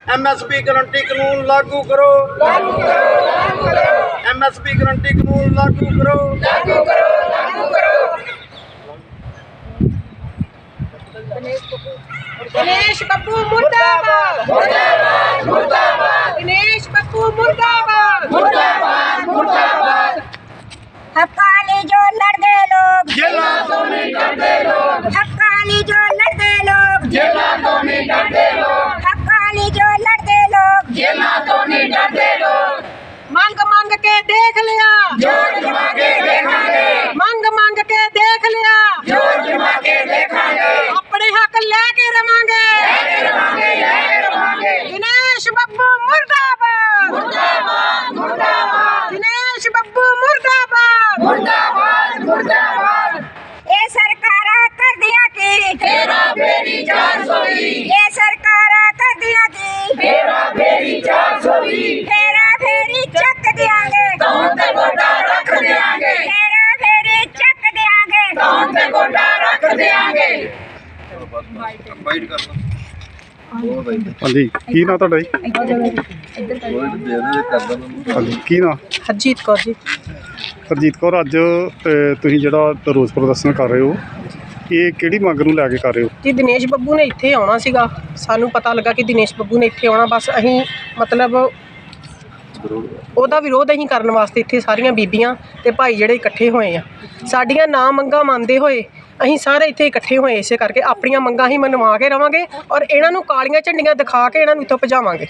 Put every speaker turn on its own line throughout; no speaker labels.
MSP guarantee कानून लागू करो, MSP गारंटी कानून लागू करो।
दिनेश बब्बू मुर्दाबाद, मुर्दाबाद, मुर्दाबाद। दिनेश बब्बू मुर्दाबाद, मुर्दाबाद, मुर्दाबाद।
हक्कानी जो लड़ते लोग
जेला तो नहीं डरते लोग,
हक्कानी जो लड़ते लोग
जेला तो नहीं डरते लोग,
हक्कानी जो लड़ते लोग
जेला तो नहीं डरते लोग।
मंग मंग के देख लिया,
जोर जमा के देखांगे,
मंग मंग के देख लिया,
जोर जमा के देखांगे,
अपने हक लेके रवांगे,
रवांगे।
दिनेश बब्बू मुर्दाबाद,
मुर्दाबाद, मुर्दाबाद,
दिनेश बब्बू मुर्दाबाद,
मुर्दाबाद, मुर्दाबाद।
ये सरकारा कर दिया की
तेरा बेरी 420,
ये सरकारा कर दिया की
तेरा बेरी 420,
फेरा फेरी चक दियांगे,
कौन पे गोटा रख देंगे,
फेरा फेरी चक दियांगे।
कौन पे गोटा रख देंगे।
ਹਾਂਜੀ ਕੀ ਨਾਂ ਤੁਹਾਡਾ ਜੀ? ਹਾਂਜੀ ਕੀ ਨਾਂ?
ਹਰਜੀਤ ਕੌਰ ਜੀ।
ਹਰਜੀਤ ਕੌਰ, ਅੱਜ ਤੁਸੀਂ ਜਿਹੜਾ ਰੋਸ ਪ੍ਰਦਰਸ਼ਨ ਕਰ ਰਹੇ ਹੋ, ਇਹ ਕਿਹੜੀ ਮੰਗ ਨੂੰ ਲੈ ਕੇ ਕਰ ਰਹੇ ਹੋ?
ਜੀ ਦਿਨੇਸ਼ ਬੱਬੂ ਨੇ ਇੱਥੇ ਆਉਣਾ ਸੀਗਾ, ਸਾਨੂੰ ਪਤਾ ਲੱਗਾ ਕਿ ਦਿਨੇਸ਼ ਬੱਬੂ ਨੇ ਇੱਥੇ ਆਉਣਾ, ਬਸ ਅਸੀਂ ਮਤਲਬ ਉਹਦਾ ਵਿਰੋਧ ਅਸੀਂ ਕਰਨ ਵਾਸਤੇ ਇੱਥੇ ਸਾਰੀਆਂ ਬੀਬੀਆਂ ਤੇ ਭਾਈ ਜਿਹੜੇ ਇਕੱਠੇ ਹੋਏ ਆ। ਸਾਡੀਆਂ ਨਾ ਮੰਗਾਂ ਮੰਨਦੇ ਹੋਏ ਅਸੀਂ ਸਾਰੇ ਇੱਥੇ ਇਕੱਠੇ ਹੋਏ, ਇਸੇ ਕਰਕੇ ਆਪਣੀਆਂ ਮੰਗਾਂ ਹੀ ਮਨਵਾ ਕੇ ਰਵਾਂਗੇ ਔਰ ਇਹਨਾਂ ਨੂੰ ਕਾਲੀਆਂ ਝੰਡੀਆਂ ਦਿਖਾ ਕੇ ਇਹਨਾਂ ਨੂੰ ਇੱਥੋਂ ਭਜਾਵਾਂਗੇ।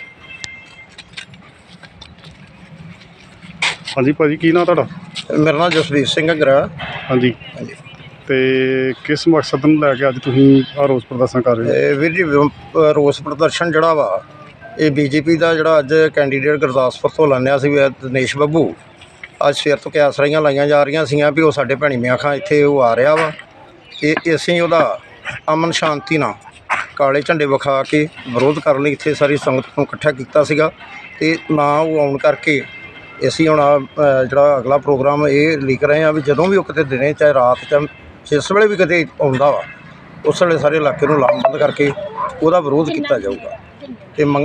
ਹਾਂਜੀ ਭਾਜੀ, ਕੀ ਨਾਂ ਤੁਹਾਡਾ?
ਮੇਰਾ ਨਾਮ ਜਸਵੀਰ ਸਿੰਘ ਅਗਰਾ।
ਹਾਂਜੀ, ਤੇ ਕਿਸ ਮਕਸਦ ਨੂੰ ਲੈ ਕੇ ਅੱਜ ਤੁਸੀਂ ਆਹ ਰੋਸ ਪ੍ਰਦਰਸ਼ਨ ਕਰ ਰਹੇ ਹੋ?
ਤੇ ਵੀਰ ਜੀ ਰੋਸ ਪ੍ਰਦਰਸ਼ਨ ਜਿਹੜਾ ਵਾ ਇਹ ਬੀਜੇਪੀ ਦਾ ਜਿਹੜਾ ਅੱਜ ਕੈਂਡੀਡੇਟ ਗੁਰਦਾਸਪੁਰ ਤੋਂ ਐਲਾਨਿਆ ਸੀ ਦਿਨੇਸ਼ ਬੱਬੂ, ਅੱਜ ਸਵੇਰ ਤੋਂ ਕਿਆਸਰਾਈਆਂ ਲਾਈਆਂ ਜਾ ਰਹੀਆਂ ਸੀਗੀਆਂ ਵੀ ਉਹ ਸਾਡੇ ਭੈਣੀ ਮਿਆਂ ਖਾਂ ਇੱਥੇ ਉਹ ਆ ਰਿਹਾ ਵਾ। ਇਹ ਅਸੀਂ ਉਹਦਾ ਅਮਨ ਸ਼ਾਂਤੀ ਨਾਲ ਕਾਲੇ ਝੰਡੇ ਵਿਖਾ ਕੇ ਵਿਰੋਧ ਕਰਨ ਲਈ ਇੱਥੇ ਸਾਰੀ ਸੰਗਤ ਨੂੰ ਇਕੱਠਾ ਕੀਤਾ ਸੀਗਾ, ਅਤੇ ਨਾ ਉਹ ਆਉਣ ਕਰਕੇ ਅਸੀਂ ਹੁਣ ਜਿਹੜਾ ਅਗਲਾ ਪ੍ਰੋਗਰਾਮ ਇਹ ਲਿਖ ਰਹੇ ਹਾਂ ਵੀ ਜਦੋਂ ਵੀ ਉਹ ਕਿਤੇ ਦਿਨੇ ਚਾਹੇ ਰਾਤ ਚਾਹੇ ਜਿਸ ਵੇਲੇ ਵੀ ਕਿਤੇ ਆਉਂਦਾ ਵਾ ਉਸ ਵੇਲੇ ਸਾਰੇ ਇਲਾਕੇ ਨੂੰ ਲਾਮਬੰਦ ਕਰਕੇ ਉਹਦਾ ਵਿਰੋਧ ਕੀਤਾ ਜਾਊਗਾ। ਅਤੇ